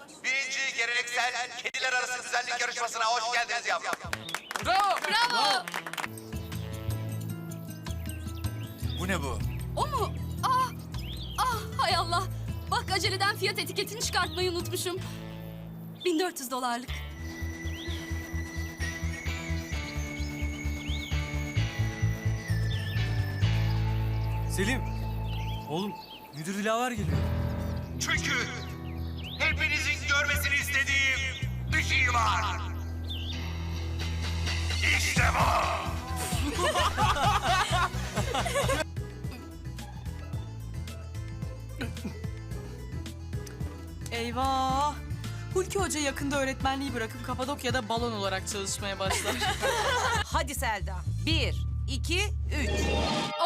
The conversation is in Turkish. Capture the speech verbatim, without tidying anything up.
birinci geleneksel kediler arası güzellik yarışmasına hoş geldiniz yavrum. Bravo. Bravo. Bu ne bu? O mu? Ah, ah hay Allah. Bak aceleden fiyat etiketini çıkartmayı unutmuşum. bin dört yüz dolarlık. Selim. Oğlum müdür Dilaver geliyor. Çünkü hepinizin görmesini istediğim bir şey var. İşte bu. Eyvah! Hulki Hoca yakında öğretmenliği bırakıp Kapadokya'da balon olarak çalışmaya başlar. Hadi Selda. Bir, iki, üç.